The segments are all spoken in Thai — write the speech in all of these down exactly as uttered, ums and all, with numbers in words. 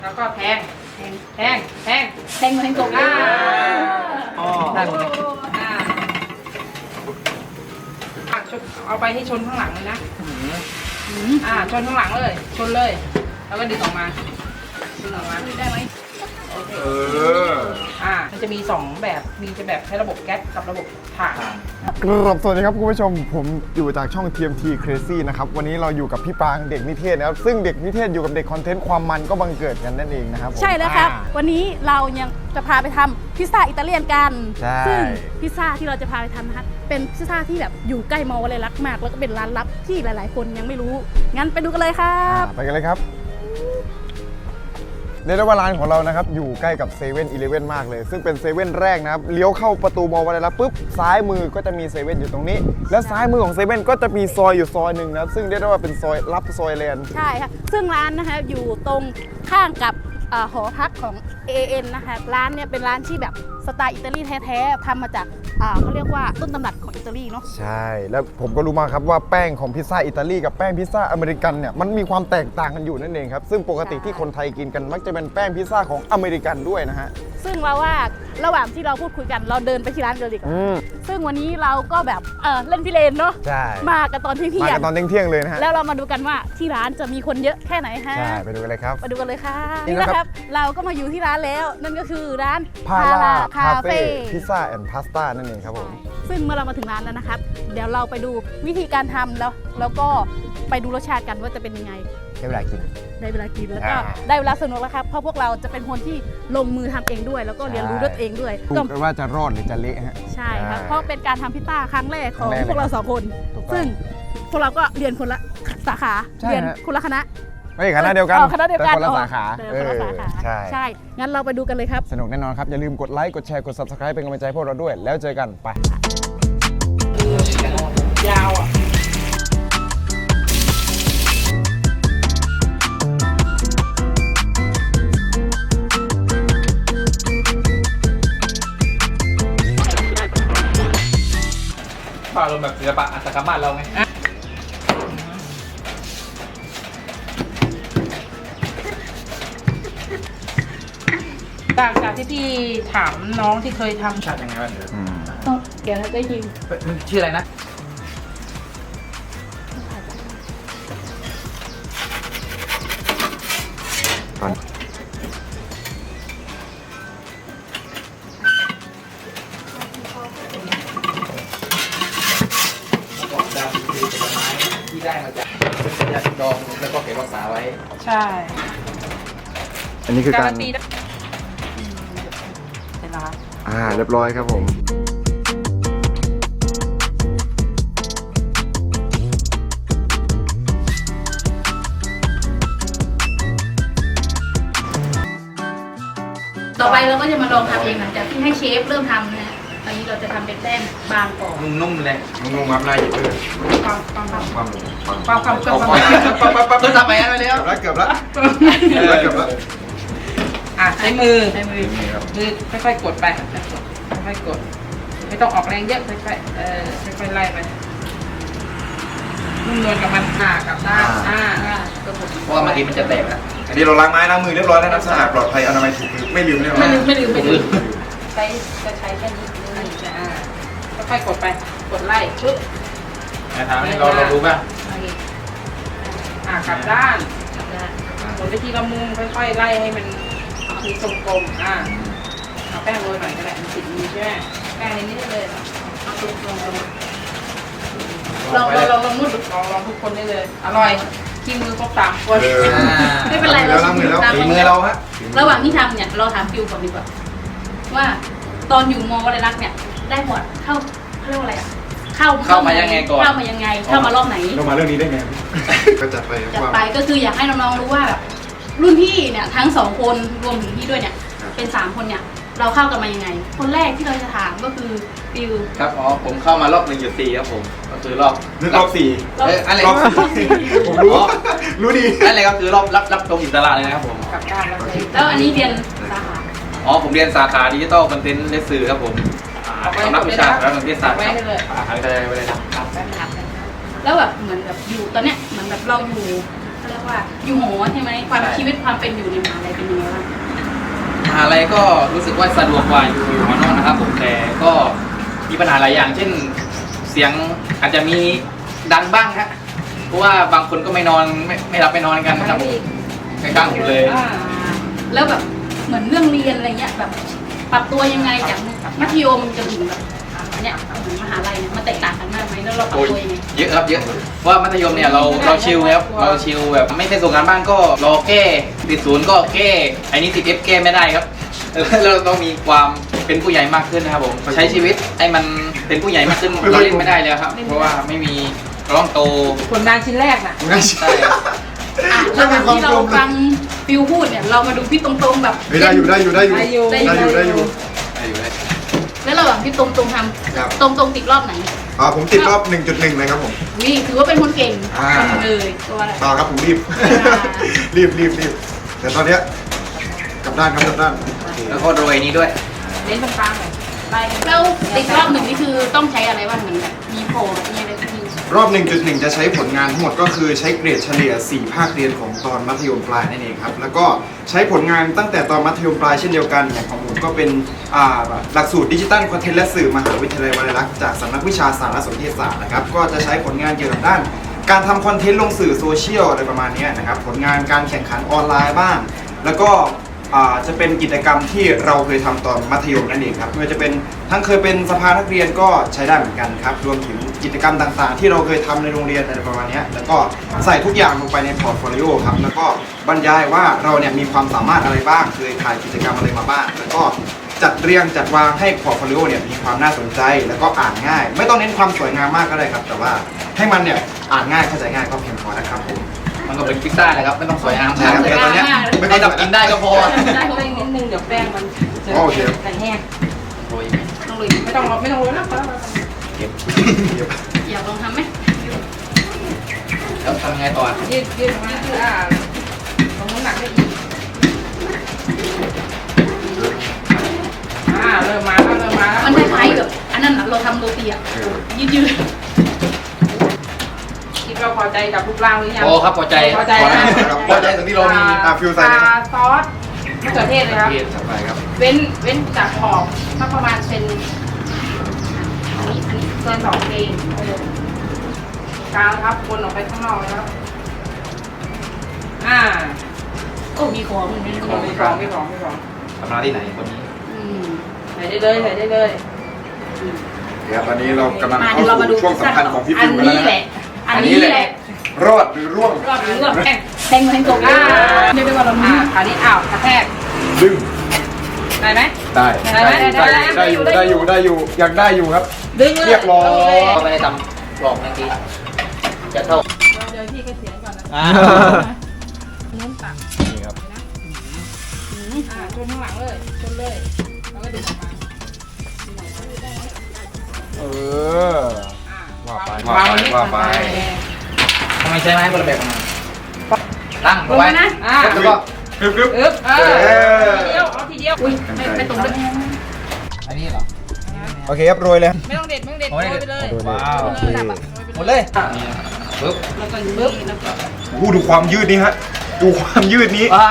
แล้วก็แทงแทงแทงแทงแทงแทงกบอ่าอ๋อได้หมดเลยอ่าอ่ะชนเอาไปให้ชนข้างหลังเลยนะอ่าชนข้างหลังเลย ชนเลย แล้วก็ดึงออกมาดึงออกมาได้ไหมโอเคเอออ่ามันจะมีสองแบบมีจะแบบใช้ระบบแก๊สกับระบบถ่านครับสวัสดีครับคุณผู้ชมผมอยู่จากช่อง ที เอ็ม ที Crazy นะครับวันนี้เราอยู่กับพี่ปางเด็กนิเทศนะครับซึ่งเด็กนิเทศอยู่กับเด็กคอนเทนต์ความมันก็บังเกิดกันนั่นเองนะครับผมใช่แล้วครับอ่าวันนี้เรายังจะพาไปทำพิซซ่าอิตาเลียนกันใช่ซึ่งพิซซ่าที่เราจะพาไปทำนะคะเป็นพิซซ่าที่แบบอยู่ใกล้มอเลยรักมาก แล้วก็เป็นร้านลับที่หลาย ๆ คนยังไม่รู้งั้นไปดูกันเลยครับอ่าไปกันเลยครับเรียกได้ว่าร้านของเรานะครับอยู่ใกล้กับเซเว่นอีเลฟเว่นมากเลยซึ่งเป็นเซเว่นแรกนะครับเลี้ยวเข้าประตูมอวัดแล้วปุ๊บซ้ายมือก็จะมีเซเว่นอยู่ตรงนี้ และซ้ายมือของเซเว่นก็จะมีซอยอยู่ซอยหนึ่งนะซึ่งเรียกได้ว่าเป็นซอยลับซอยแลนด์ใช่ค่ะซึ่งร้านนะคะอยู่ตรงข้างกับเอ่อหอพักของ เอ เอ็น นะคะร้านเนี่ยเป็นร้านที่แบบสไตล์อิตาลีแท้ๆทำมาจากอ่าเขาเรียกว่าต้นตำรับของอิตาลีเนาะใช่ แล้วผมก็รู้มาครับว่าแป้งของพิซซ่าอิตาลีกับแป้งพิซซ่าอเมริกันเนี่ยมันมีความแตกต่างกันอยู่นั่นเองครับซึ่งปกติที่คนไทยกินกันมักจะเป็นแป้งพิซซ่าของอเมริกันด้วยนะฮะซึ่งเราว่าระหว่างที่เราพูดคุยกันเราเดินไปที่ร้านกันเลยดีกว่าอืมซึ่งวันนี้เราก็แบบเออเล่นพิเรนเนาะใช่มากันตอนเที่มายงกันตอนเที่ยงๆเลยนะฮะๆแล้วเรามาดูกันว่าที่ร้านจะมีคนเยอะแค่ไหนฮะใช่ไปดูกันเลยครับมาดูกันเลยค่ะนี่นี่นะครับนะครับเราก็มาอยู่ที่ร้านแล้ว นั่นก็คือร้านพาราคาคาเฟ่เฟ่พิซซ่าแอนด์พาสต้านั่นเองครับผมซึ่งเมื่อเรามาถึงร้านแล้วนะครับ เดี๋ยวเราไปดูวิธีการทำแล้วแล้วก็ไปดูรสชาติกันว่าจะเป็นยังไงใช้เวลากินได้เวลากินแล้วก็อ่าได้เวลาสนุกแล้วครับเพราะพวกเราจะเป็นคนที่ลงมือทำเองด้วย แล้วก็เรียนรู้ด้วยตัวเองด้วยดูก็กันว่าจะรอดหรือจะเละฮะใช่ครับเพราะเป็นการทำพิซซ่าครั้งแรกของครั้งแรกพวกเราสองคนถูกต้องซึ่งพวกเราก็เรียนคนละสาขาใช่เรียนฮะคนละคณะไม่ใช่คณะเดียวกันอ๋อคณะเดียวกันแต่คนละสาขาเออคนละสาขาใช่ใช่ งั้นเราไปดูกันเลยครับสนุกแน่นอนครับ อย่าลืมกดไลค์กดแชร์กด Subscribe เป็นกำลังใจให้พวกเราด้วย แล้วเจอกันไปยาวอ่ะปลาลมแบบศิลปะอัตกรรมบ้านเราไงจากจากที่พี่ถามน้องที่เคยทำชาติยังไงบ้างเดี๋ยวต้องเดี๋ยวได้ยินมันชื่ออะไรนะ บอกดำคือผลไม้ที่ได้มาจากยาดองแล้วก็เก็บรักษาไว้ใช่อันนี้คือการนตีได้เวลาอ่าเรียบร้อยครับผมต่อไปเราก็จะมาลองทำเองหลังจากที่ให้เชฟเริ่มทำนะฮะตอนนี้เราจะทำเป็นแป้งบางก่อนนุ่มๆเลยนุ่มๆครับน่าหยิบเลยความความความความความความเกินเอาประไปมาณปั๊บปั๊บปั๊บปั๊บทำไปแล้วเกือบแล้วเกือบแล้วเกือบแล้วอ่ะใช้มือใช้มือมือค่อยๆกดไปค่อยๆกด ไม่ต้องออกแรงเยอะค่อยๆเออค่อยๆไล่ไปนุ่มนวลกับมันอ่ากับด้านอ่าอ่าก็กดเพราะว่าเมื่อกี้มันจะแตกอะอันนี้เราล้างไม้ล้างมือเรียบร้อยแล้วนะสะอาดปลอดภัยอนามัยถูกมือไม่ลืมแน่นอนไม่ลืมไม่ลืมไม่ลืมใช้จะใช้แค่นี้นี่จะอ่าค่อยๆกดไปกดไล่ปึ๊บถามให้เราเรารู้ป่ะอ่ากลับด้านหมุนไปทีละมุมค่อยๆไล่ให้มันมีทรงกลมอ่าเอาแป้งโรยหน่อยก็ได้มันติดมือใช่ไหมแป้งในนี้ได้เลยเอาลงลงลงลองลองลองลองนุ่นลองลองทุกคนได้เลย อร่อยขี้มือครบสามคนไม่เป็นไรแล้วล้างมือแล้วฝีมือเราฮะระหว่างที่ทำเนี่ยเราถามฟิวก่อนดีกว่าว่าตอนอยู่มอวัดรักเนี่ยได้หมดเข้าเขาเรียกว่าอะไรอ่ะเข้าเข้ามายังไงก่อนเข้ามายังไงเข้ามารอบไหนเรามาเรื่องนี้ได้ไงก็จัดไปจัดไปก็คืออยากให้น้องๆรู้ว่าแบบรุ่นพี่เนี่ยทั้งสองคนรวมถึงพี่ด้วยเนี่ยเป็นสามคนเนี่ยเราเข้ากันมายังไง คนแรกที่เราจะถามก็คือฟิวครับอ๋อผมเข้ามารอบหนึ่งจุดสี่ครับผมก็คือรอบนึกรอบสี่เอ้ยอะไรรอบสี่ผมรู้รู้ดีนั่นเลยก็คือรอบรับรับตรงอิสระเลยนะครับผมกลับด้านแล้วเลยแล้วอันนี้เรียนสาขาอ๋อผมเรียนสาขาดิจิตอลคอนเทนต์และสื่อครับผมเอาไปสำนักวิชาสารสนเทศศาสตร์ไว้ครับให้เลยอ่าอะไรไปเลยครับแป้งครับแล้วแบบเหมือนแบบอยู่ตอนเนี้ยเหมือนแบบเราอยู่เขาเรียกกว่าอยู่หอใช่ไหมความชีวิตความเป็นอยู่ในมหาลัยเป็นยังไงบ้างมหาลัยก็รู้สึกว่าสะดวกกว่าอยู่อยู่หอนอกนะครับผมแต่ก็มีปัญหาหลายอย่าง เช่นเสียงอาจจะมีดังบ้างฮะเพราะว่าบางคนก็ไม่นอนไม่ไม่รับไม่นอนกันนะครับผมใกล้ๆหูเลยอ่าแล้วแบบเหมือนเรื่องเรียนอะไรเงี้ยแบบปรับตัวยังไงจากมัธยมจนถึงแบบเนี่ยถึงมหาลัยเนี่ยมันแตกต่างกันมากไหมแล้วเราปรับโอ้ยตัวยังไงเยอะครับเยอะเพราะว่ามัธยมเนี่ยเราเราชิลครับเราชิลแบบไม่ได้ส่งงานบ้านก็รอแก้ติดศูนย์ก็แก้ไอ้นี่ติดเอฟแก้ไม่ได้ครับ เราต้องมีความเป็นผู้ใหญ่มากขึ้นนะครับผมใช้ชีวิตให้มันเป็นผู้ใหญ่มากขึ้นเราเล่นไม่ได้แล้วครับ เพราะว่าไม่มีเราต้องโตผลงานชิ้นแรกน่ะไม่ใช่อ่ะระหว่างที่เราฟังฟิวพูดเนี่ยเรามาดูพี่ตรงๆแบบเฮ้ยได้อยู่ได้อยู่ได้อยู่ได้อยู่ได้อยู่ได้อยู่ได้อยู่ได้แล้วระหว่างพี่ตรงๆทครับำตรงๆติดรอบไหนอ่าผมติดรอบ หนึ่งจุดหนึ่ง เลยครับผมนี่ถือว่าเป็นคนเก่งอ่าคนหนึ่งเลยตัวอะไรต่อครับผมรีบ รีบรีบรีบแต่ตอนเนี้ยกลับด้านครับกลับด้านโอเคแล้วก็โรยนี้ด้วยเล่นตรงกลางหน่อยไล่แล้วติดรอบหนึ่งนี่คือต้องใช้อะไรบ้างเหมือนแบบมีโพลมีอะไรที่รอบ หนึ่งจุดหนึ่ง จะใช้ผลงานทั้งหมดก็คือใช้เกรดเฉลี่ย สี่ ภาคเรียนของตอนมัธยมปลายนั่นเองครับ แล้วก็ใช้ผลงานตั้งแต่ตอนมัธยมปลายเช่นเดียวกันอย่างของผมก็เป็นอ่าหลักสูตรดิจิตัลคอนเทนต์และสื่อมหาวิทยาลัยวลัยลักษณ์จากสำนักวิชาสารสนเทศศาสตร์นะครับก็จะใช้ผลงานเกี่ยวกับด้าน การทำคอนเทนต์ลงสื่อโซเชียลอะไรประมาณนี้นะครับผลงานการแข่งขันออนไลน์บ้าง แล้วก็อ่าจะเป็นกิจกรรมที่เราเคยทำตอนมัธยมนั่นเองครับไม่ว่าจะเป็นทั้งเคยเป็นสภานักเรียนก็ใช้ได้เหมือนกันครับรวมถึงกิจกรรมต่างๆ ที่เราเคยทำในโรงเรียนอะไรประมาณนี้แล้วก็ใส่ทุกอย่างลงไปในพอร์ตโฟลิโอครับแล้วก็บรรยายว่าเราเนี่ยมีความสามารถอะไรบ้างเคยถ่ายกิจกรรมอะไรมาบ้างแล้วก็จัดเรียงจัดวางให้พอร์ตโฟลิโอเนี่ยมีความน่าสนใจแล้วก็อ่านง่าย ไม่ต้องเน้นความสวยงามมากก็ได้ครับแต่ว่าให้มันเนี่ยอ่านง่ายเข้าใจง่ายก็เพียงพอนะครับผมมันก็เป็นพิซซ่าเลยครับไม่ต้องสวยงามใช่ครับแต่ตอนเนี้ยไม่ให้ต้องเรากินได้ก็พอได้ก็เล่นนิดนึงเดี๋ยวแป้งมันจะโอเคใส่แห้งโรยไหมต้องเลยไม่ต้องไม่ต้องโรยนะเก็บอยากลองทำไหมแล้วทำไงต่อยืดยืดมาอ่าตรงน้ำหนักได้อีกอ่าเริ่มมาแล้วเริ่มมาแล้วมันคล้ายๆแบบอันนั้นน่ะเราทำโรตีอ่ะยืดคิดว่าพอใจกับรูปร่างหรือยังโอ้ครับพอใจพอใจพอนะแล้วพอใจตรงที่เรามีอ่ะฟิวใส่เลยครับซอสมะเขือเทศเลยครับเทศเข้าไปครับเว้นเว้นจากขอบสักประมาณเป็นอันนี้อันนี้เกินสองเองกลางครับวนออกไปข้างนอกนะครับอ่าๆโอ้มีของเหมือนกันของไม่ของไม่ของไม่ของทำร้านที่ไหนคนนี้อืมใส่ได้เลยใส่ได้เลยเดี๋ยวตอนนี้เรากำลังมาเข้าเดี๋ยวเรามาดูสู่ช่วงสำคัญของพี่อัฟินวกันแล้วนี้นะแหละ อันนี้แหละรอดหรือร่วงรอบนี้รอบแป้งแทงมาแทงตรงอ่าเรียกได้ว่าเราอ่ามีคราวนี้อ้าวกระแทกดึงได้ไหมได้ได้ไหมได้ไหมได้อยู่ได้อยู่ได้อยู่อยากได้อยู่ครับดึงเลยเรียบร้อยก็ไม่ได้ทำกรอบเมื่อกี้จะเท่าเดี๋ยวพี่ก็เสียงก่อนนะอ่านู้นตักนี่ครับอ่าชนข้างหลังเลยชนเลยแล้วก็ดึงออกมาเอออ่าว่าไปวางนิดว่าไปทำไมใช้ไม้คนละแบบกันมาตั้งลงไว้ไปนะอ่าแล้วก็กรึบกรึบอึ๊บเออเออทีเดียวเอาทีเดียวอุ้ยไม่ไม่ตรงด้วยอันนี้เหรอโอเคครับโรยเลยไม่ต้องเด็ดไม่ต้องเด็ดโอ้โรยยไปเลยว้าวโอเคหมดเลยนี่ปึ๊บแล้วก็บึ๊บโอ้โหดูความยืดนี้ฮะดูความยืดนี้ว้า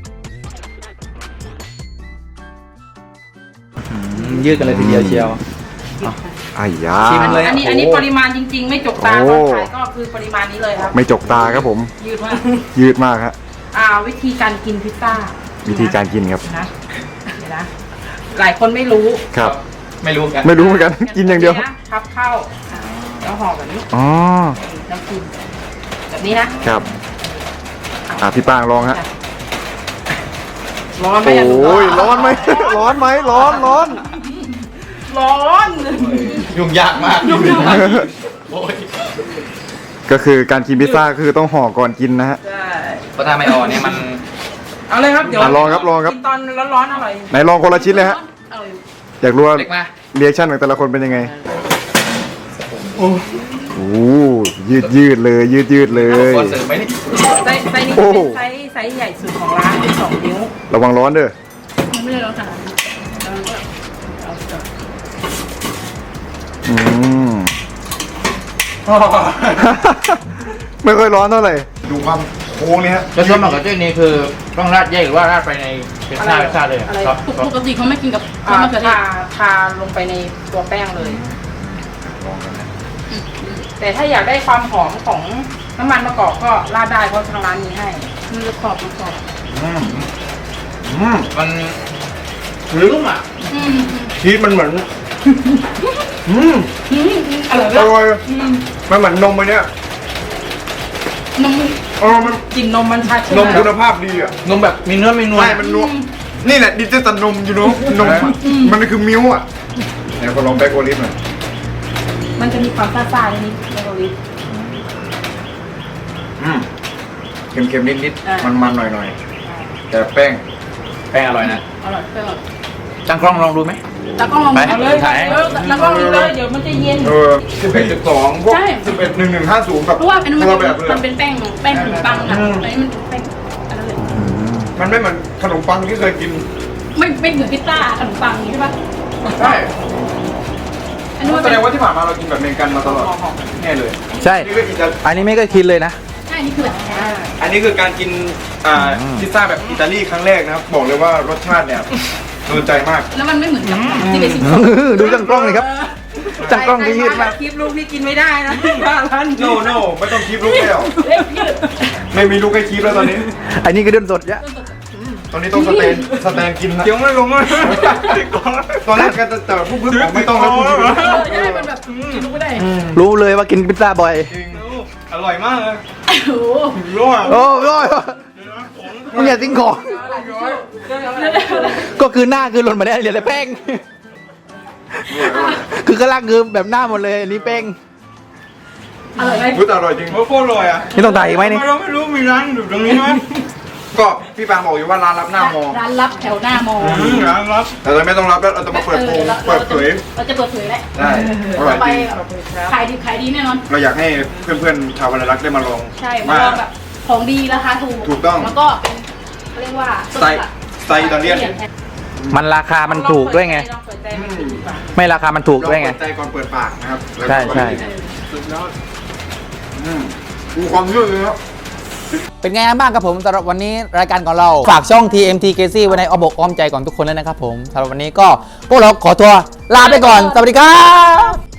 ยืดกันเลยทีเดียวเชียวไอ้ยาชิมเลยอันนี้อันนี้ปริมาณจริง ๆ ไม่จกตาโอ้ตอนขายก็คือปริมาณนี้เลยครับไม่จกตาครับผมยืดมากยืดมากฮะอ่าวิธีการกินพิซซ่าวิธีการกินครับนะเดี๋ยวนะหลายคนไม่รู้ครับไม่รู้กันไม่รู้เหมือนกัน กินอย่างเดียวนะพับเข้าอ่าแล้วห่อแบบนี้อ๋อแล้วกินแบบนี้นะครับอ่ะพี่ป้างลองฮะร้อนไหมโออ่ะ้ยร้อนไหม ร้อนไหมร้อนร้อนร้อนยุ่งยากมากยุ่งยากโอ้ยก็คือการกินพิซซ่าคือต้องห่อก่อนกินนะฮะใช่เพราะถ้าไม่ออกเนี่ยมันเอาเลยครับเดี๋ยวอ่ะลองครับลองครับกินตอนร้อนๆอร่อยไหนลองคนละชิ้นเลยฮะเอาอยู่อยากรู้ว่าเล็กมาเรีแอคชั่นของแต่ละคนเป็นยังไง โอ้โหยืดยืดเลย ยืดยืดเลยคอนเสิร์ตไหมนี่ไซส์ไซส์นี้โอ้เป็นไซส์ไซส์ใหญ่สุดของร้านเป็นสองนิ้วระวังร้อนเด้อมันไม่ได้เราขนาดนั้นแล้วมันก็เอาต่ออืม ไม่ค่อยร้อนเท่าไหร่ ดูความค้งนี่ฮะแล้วซอสมะเขือเทศนี่คือต้องราดแยกหรือว่าราดไปในเป็นชาเป็นชาเลยอะอะไรซอสซอสปกติเขาไม่กินกับซออ่าสมะเขือเททาศทาลงไปในตัวแป้งเลยลองกันนะแต่ถ้าอยากได้ความหอมของน้ำมันมะกอกก็ราดได้เพราะทางร้านมีให้มันจะขอบมันขอบอืมอืมมันนุ่มอ่ะอืมชีสมันเหมือนอืมอืมอืมอร่อยอมากร่อยอืมมันเหมือนนมไปเนี่ยนมเออมันกลิ่นนมมันชัดใช่ไหนมมคุณภาพดีอ่ะนมแบบมีเนื้อมีนวลใช่มันนวลนี่แหละดิจิตอลนมอยู่เนอะนมอะมันคือมิ้วอ่ะไหนก็ลองแบล็คโอลิฟหน่อยมันจะมีความซ่าๆนิดๆในโอลิฟอืมเค็มๆนิดอ่าๆมันๆหน่อยๆแต่แป้งแป้งอร่อยนะอร่อยอร่อยจังกล้องลองดูไหมแล้วก็ลองไปเอาเลยถ่ายเออแล้วก็มีเลยเดี๋ยวมันจะเย็นเออสิบเอ็ดสิบสองพวกใช่สิบเอ็ดหนึ่งหนึ่งห้าศูนย์แบบเพราะว่าอันนั้นคมันนละแบบเลยมัอะนเป็นแป้งแป้งขนมปังอ่ะอืมอันนี้มันแป้งอันนั้นเลยมันไม่เหมือนขนมปังที่เคยกินไม่ไม่เหมือนพิซซ่าขนมปังอย่างนี้ใช่ปะใช่อันนี้มันแสเป็นดงว่าที่ผ่านมาเรากินแบบอเมริกันมาตลอดแน่เลยใช่นี่ก็อิตาลีอันนี้ไม่เคยคิดเลยนะใช่อันนี้คือแบบอ่าอันนี้คือการกินอ่าอืมพิซซ่าแบบอิตาลีครั้งแรกนะครับ บอกเลยว่ารสชาติเนี่ยโดนใจมากแล้วมันไม่เหมือนกับที่เป็นสิบสองดูจังกล้องเลยครับ จังกล้องที่ยืดมากคลิปลูกพี่กินไม่ได้นะบ้านร้านโนโนไม่ต้องคีบลูกแล้วเล็กยืดไม่มีลูกให้คีบแล้วตอนนี้อันนี้คือเดินสดยะตอนนี้ต้องสแตนสแตนกินแล้วยังไม่ลงเลยตอนแรกก็จะแต่พูดพึ่งบอกไม่ต้องแล้วพูดพึ่งเออใช่มันแบบกินไม่ได้รู้เลยว่ากินพิซซ่าบ่อยจริงอร่อยมากเลยโอ้โหร่วงโอ้ยมึงอย่าทิ้งของ ก็คือหน้าคือหล่นมาได้เหลือแต่แป้ง คือข้างล่างคือแบบหน้าหมดเลยอันนี้แป้งอร่อยไหมพูดอร่อยจริงโคตรอร่อยอ่ะนี่ต้องถ่ายอีกไหมนี่เราไม่รู้มีร้านอยู่ตรงนี้ไหมก็พี่ปางบอกอยู่ว่าร้านรับหน้ามอร้านลับแถวหน้ามอร้านรับแต่เราไม่ต้องรับแล้วเราจะมาเปิดโปงเปิดเผยเราจะเปิดเผยแล้วได้อร่อยไปจริงขายดีขายดีแน่นอนเราอยากให้เพื่อนๆชาววรรณรักษ์ได้มาลองใช่มาลองแบบของดีราคาถูกถูกต้องแล้วก็เป็นเขาเรียกว่าสไตล์สไตล์อิตาเลียนมันราคามันถูกด้วยไงลองเปิดใจมันดูดีกว่าไม่ราคามันถูกด้วยไงเราเปิดใจก่อนเปิดปากนะครับแล้วก็ใช่ใช่สุดยอดอืมดูความยืดเลยครับเป็นไงบ้างครับผมสำหรับวันนี้รายการของเรา ฝากช่อง ที เอ็ม ที Crazy ไว้ในอ้อมอกอ้อมใจของทุกคนเลยนะครับผมสำหรับวันนี้ก็พวกเราขอตัวลาไปก่อน สวัสดีครับ